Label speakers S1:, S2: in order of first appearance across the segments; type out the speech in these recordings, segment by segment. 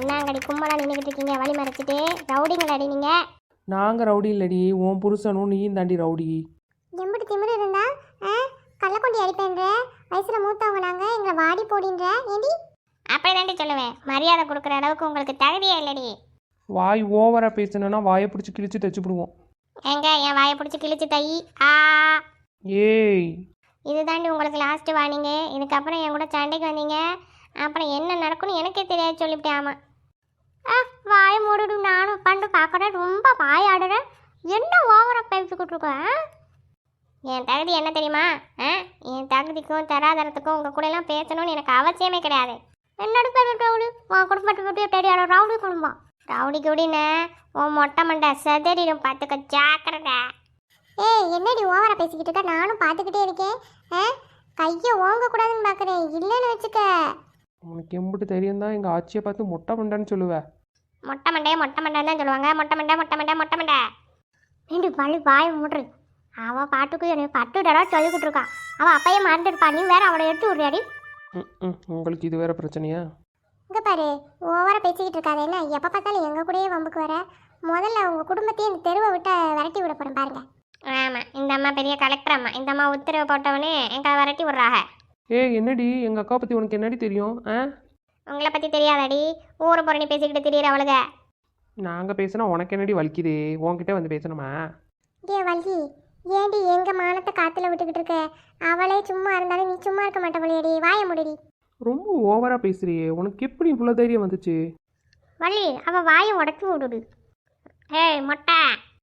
S1: என்னங்கடி கும்பலா நின்றுக்கிட்டு இருக்கீங்க வழி மறைச்சிட்டு? ரவுடிங்களாடி நீங்கள்?
S2: நாங்கள் ரவுடி இல்லடி, உன் புருஷனும் நீயும் தாண்டி ரவுடி.
S1: எம்பிட்டு திமிரு இருந்தா கள்ளக்கொண்டி அடிப்பேன்ற வயசில் மூத்தவங்க நாங்கள் எங்களை வாடி போடின்ற ஏண்டி? அப்படி தாண்டி சொல்லுவேன். மரியாதை கொடுக்குற அளவுக்கு உங்களுக்கு தகுதியே இல்லடி.
S2: வாய் ஓவராக பேசணுன்னா வாயை பிடிச்சி கிழிச்சு தச்சுப்பிடுவோம்.
S1: எங்க என் வாயை பிடிச்சி கிழிச்சு தை. ஆ
S2: ஏய்,
S1: இது தாண்டி உங்களுக்கு லாஸ்ட் வார்னிங்க. இதுக்கப்புறம் என் கூட சண்டைக்கு வந்தீங்க அப்புறம் என்ன நடக்கும்னு எனக்கே தெரியாது சொல்லிவிட்டேன். ஆமாம். வாயை மூடிடு. நானும் உட்காந்து பார்க்குறேன். ரொம்ப வாய் ஆடுறேன். என்ன ஓவராக பேசிக்கிட்டு இருக்கேன்? என் தகுதி என்ன தெரியுமா? என் தகுதிக்கும் தராதரத்துக்கும் உங்கள் கூட எல்லாம் பேசணும்னு எனக்கு அவசியமே கிடையாது. என்னோட பேர் ரவுடி. உன் குடும்பத்தை பற்றி தெரியாத ரவுடி குடும்பம். ரவுடி குடின்னு உன் மொட்டை மண்டை செதறிடும், பார்த்துக்க ஜாக்கிரதை. ஏய், என்னடி ஓவரா பேசிக்கிட்டு இருக்க? நானும் பார்த்துக்கிட்டே இருக்கேன். கையை ஓங்கக்கூடாதுன்னு பார்க்குறேன். இல்லைன்னு வச்சுக்க.
S2: உனக்கு எம்பிட்டு தெரியும் தான் எங்கள் ஆச்சியை பார்த்து மொட்டை மண்டன்னு சொல்லுவேன்.
S1: மொட்டை மண்டைன்னு தான் சொல்லுவாங்க. மொட்டை மண்டை. ரெண்டு பழி வாய மூடுறது. அவள் பாட்டுக்கு எனக்கு 10 தடவை சொல்லிக்கிட்டு இருக்கான். அவள் அப்பையே மறந்துருப்பா. நீ வேற அவளை எடுத்து விடுறியாடி.
S2: உங்களுக்கு இது வேற பிரச்சனையா?
S1: இங்கே பாரு, ஓவரா பேசிக்கிட்டு இருக்காது. என்ன எப்போ பார்த்தாலும் எங்கள் கூடயே வம்புக்கு வர. முதல்ல உங்கள் குடும்பத்தையும் இந்த தெருவை விட்டு விரட்டி விட போகிறேன் பாருங்க. ஆமாம், இந்த அம்மா பெரிய கலெக்டர் அம்மா. இந்த அம்மா உத்தரவு போட்டவனே எங்களை விரட்டி விட்றாங்க.
S2: ஏய், என்னடி எங்கள் அக்கா பற்றி உனக்கு என்னடி தெரியும்?
S1: உங்களை பற்றி தெரியாதாடி? ஊரை புறணி பேசிக்கிட்டு திடீர் அவளுக.
S2: நாங்கள் பேசினா உனக்கு என்னடி வலிக்குது? உன்கிட்ட வந்து பேசணுமா?
S1: ஏ வள்ளி, ஏண்டி எங்கள் மானத்தை காற்றுல விட்டுக்கிட்டு இருக்க? அவளே சும்மா இருந்தாலும் நீ சும்மா இருக்க மாட்டவளையடி. வாய முடிடி.
S2: ரொம்ப ஓவராக பேசுறியே. உனக்கு எப்படி இவ்வளோ தைரியம் வந்துச்சு?
S1: வள்ளி, அவள் வாயை உடச்சி விடுடு. ஏய் மொட்டை,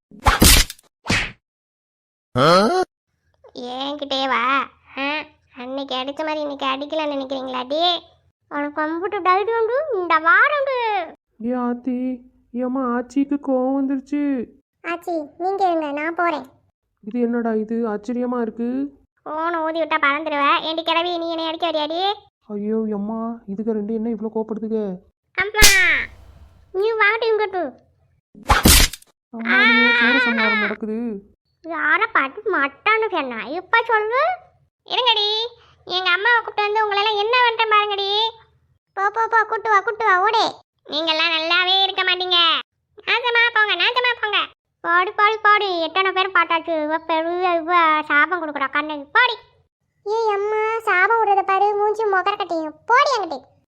S1: ஏன்கிட்டே வா. அன்னைக்கு அடித்த மாதிரி இன்னைக்கு அடிக்கலன்னு நினைக்கிறீங்களாடி? உனக்கு கம்ப்யூட்டு டைரி உண்டு, இந்த வாரம் உண்டு.
S2: ஏ ஆத்தி, ஏம்மா ஆச்சிக்கு கோவம் வந்துருச்சு.
S1: ஆச்சி நீங்கள் இருங்க, நான் போகிறேன்.
S2: இது என்னடா இது ஆச்சரியமாக இருக்கு.
S1: ஓனை ஊதி விட்டா பறந்துடுவேன். ஏண்டி கிளவி, நீ என்னை அடிக்க வரியாடி?
S2: ஐயோ அம்மா, இதுக்கு ரெண்டு என்ன இவ்வளோ கோப்படுதுங்க?
S1: அம்மா நீ வாட்டி இங்கட்டு.
S2: அம்மா, சூரசம்ஹாரம் நடக்குது.
S1: யாரை பார்த்து மட்டான்னு சொன்னா இப்போ சொல்லு. இருங்கடி, எங்கள் அம்மாவை கூப்பிட்டு வந்து உங்களெல்லாம் என்ன பண்ணுறேன் பாருங்கடி. போ போ போ, கூட்டு வா ஓடே. நீங்கள்லாம் நல்லாவே இருக்க மாட்டீங்க. நாசமா போங்க. பாடி எத்தனை பேர் பாட்டாச்சு. பெரிய சாபம் கொடுக்குறா கண்ணு. பாடி. ஏய் அம்மா, சாபம் விடுறத பாரு. மூஞ்சி மொகர கட்டியும். போடி அங்கிட்டு.